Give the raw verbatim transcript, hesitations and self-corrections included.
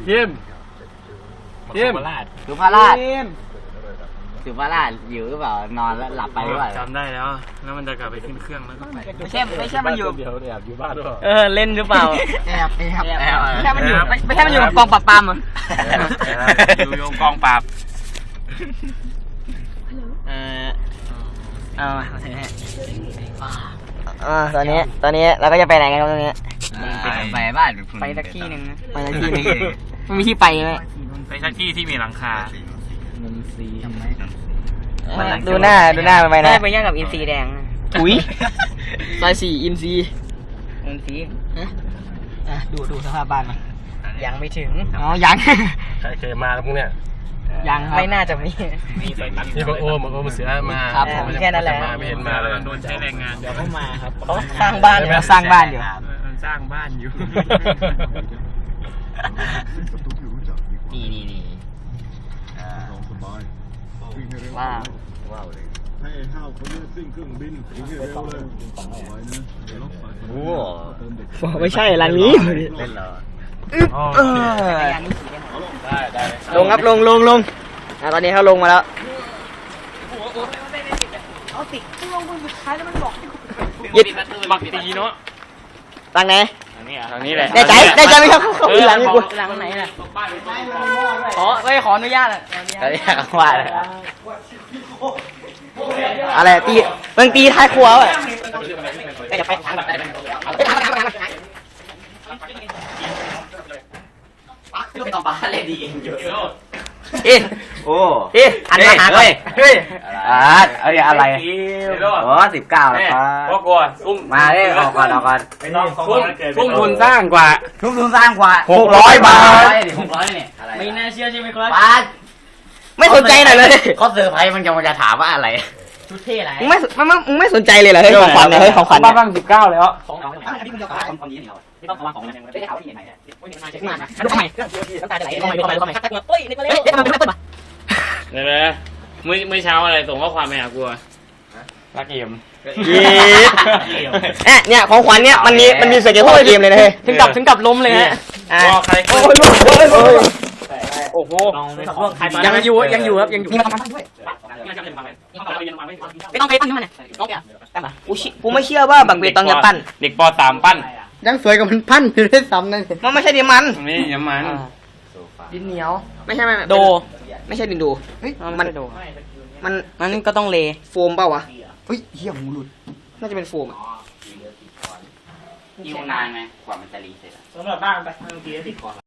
ยิมยิมสุภาราชสุภาราชอยู่หรือเปล่านอนแล้วหลับไปหรือเปล่าจำได้แล้วแล้วมันจะกลับไปขึ้นเครื่องแล้วก็ไปไม่ใช่ไม่ใช่มันอยู่เดี๋ยวแอบอยู่บ้านด้วยเออเล่นหรือเปล่าแอบแอบแอบไม่ใช่มันอยู่ไม่ใช่มันอยู่กองปราบปรามอ่ะอยู่โยงกองปราบเออเอามาเอาเถอะฮะอ่าตอนนี้ตอนนี้เราก็จะไปไหนกันครับตอนนี้ไปบ้านไปสักที่หนึ่งนะไปสักที่หนึ่งมันมีที่ไปไหมไปสักที่ที่มีหลังคาดูหน้าดูหน้ามันไปนะไปย่างกับอินซีแดงอุ้ยซอยสี่อินซีอินซีอ่ะดูดูสภาพบ้านมายังไม่ถึงอ๋อยังใครเคยมาแล้วพวกเนี้ยยังครับไม่น่าจะมีนี่บอกโอ้มโอ้มเสือมาครับผมแค่นั้นแหละมาไม่เห็นมาเลยโดนใช้แรงงานเดี๋ยวเขามาครับเขาสร้างบ้านเราสร้างบ้านอยู่มันสร้างบ้านอยู่นี่นี่นี่ว้าวให้ห้าวคนนี้ซิ่งเครื่องบินถึงให้เร็วเลยไหวนะเดี๋ยวรถไฟโอ้เติมเด็กไม่ใช่หลังนี้เล่นเหรอเออได้ได้ลงครับลงลงลงอ่ะตอนนี้เขาลงมาแล้วยึดบักตีเนาะหลังไหนทางนี้แหละได้ใจได้ใจไหมครับเขาอีหลังนี่กูหลังไหนล่ะขอไม่ขออนุญาตอ่ะเขาเรียกว่าอะไรอะไรตีเบิ่งตีท้ายครัวอ่ะจะไปทางแบบไหนไปทางทางทางทางลูกต่อปลาเลยดีเอ๊ะโอ้เอ๊ะอันมาหาเลยเฮ้ยอ่าเอ้ยอะไรโอ้สิบเก้าแล้วครับพ่อกลัวกุ้งมาเลยออกก่อนออกก่อนกุ้งกุ้งทุนสร้างกว่าทุนทุนสร้างกว่าหกร้อยบาทหกร้อยเนี่ยไม่น่าเชื่อใช่ไหมครับบาทไม่สนใจหน่อยเลยเขาเซอร์ไพรส์มันจะมาจะถามว่าอะไรชุดเท่ไรมึงไม่มึงไม่มึงไม่สนใจเลยเหรอเฮ้ยของขวัญเนี่ยเฮ้ยของขวัญบ้าเนี่ยบ้างสิบเก้าแล้วของน้องไม่ต้องของมันไม่ได้ข่าวที่ไหนเนี่ยมาดูทำไมน้ำตาจะไหลทำไมทำไมทำไมเฮ้ยนี่ก็เร็วเอ๊ะทำไมไม่เปิดมาเดี๋ยวนะเมื่อเมื่อเช้าอะไรส่งข้อความไปหากูรักเกมเอ๊ะเนี่ยของขวัญเนี่ยมันมีมันมีเสียงเกมเกมเลยนะเฮ้ยถึงกับถึงกับล้มเลยฮะอ่ะว่าใครโอ้ยลูกโอ้ยโอ้ยโอ้โหยังอยู่ยังอยู่ครับยังอยู่นี่มาทำบ้านด้วยไม่ต้องไปปั้นมันเนี่ยน้องแกกูกูไม่เชื่อว่าบังเบตองจะปั้นเด็กปสามปั้นยังสวยกว่ามันปั้นอยู่ด้วยซ้ำนั่นมันไม่ใช่ดินมันนี่ยำมันดินเหนียวไม่ใช่ไม่โดไม่ใช่ดินโดเฮ้ยมัมัน นโดมันมันก็ต้องเลโฟมเปล่าวะเฮ้ยเหี้ยหูหลุดน่าจะเป็นโฟมอ่ะอยู่นานไหมกว่ามันจะรีเสร็จอะสำหรับบ้านไปเมื่อกี้ติดก่อน